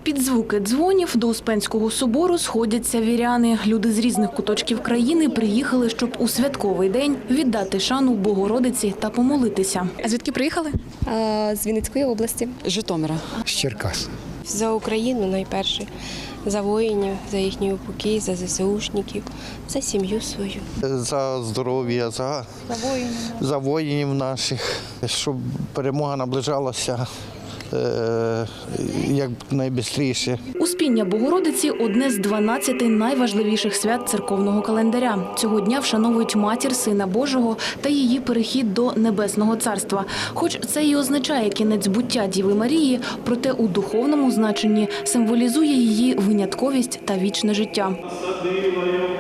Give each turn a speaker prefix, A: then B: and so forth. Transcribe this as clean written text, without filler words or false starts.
A: Під звуки дзвонів до Успенського собору сходяться віряни. Люди з різних куточків країни приїхали, щоб у святковий день віддати шану Богородиці та помолитися. А звідки приїхали?
B: З Вінницької області.
C: Житомира.
D: З Черкас.
B: За Україну найперше, за воїнів, за їхній упокій, за ЗСУшників, за сім'ю свою.
E: За здоров'я, за воїнів наших, щоб перемога наближалася як найбистріше.
A: Успіння Богородиці – одне з 12 найважливіших свят церковного календаря. Цього дня вшановують матір Сина Божого та її перехід до Небесного Царства. Хоч це і означає кінець буття Діви Марії, проте у духовному значенні символізує її винятковість та вічне життя.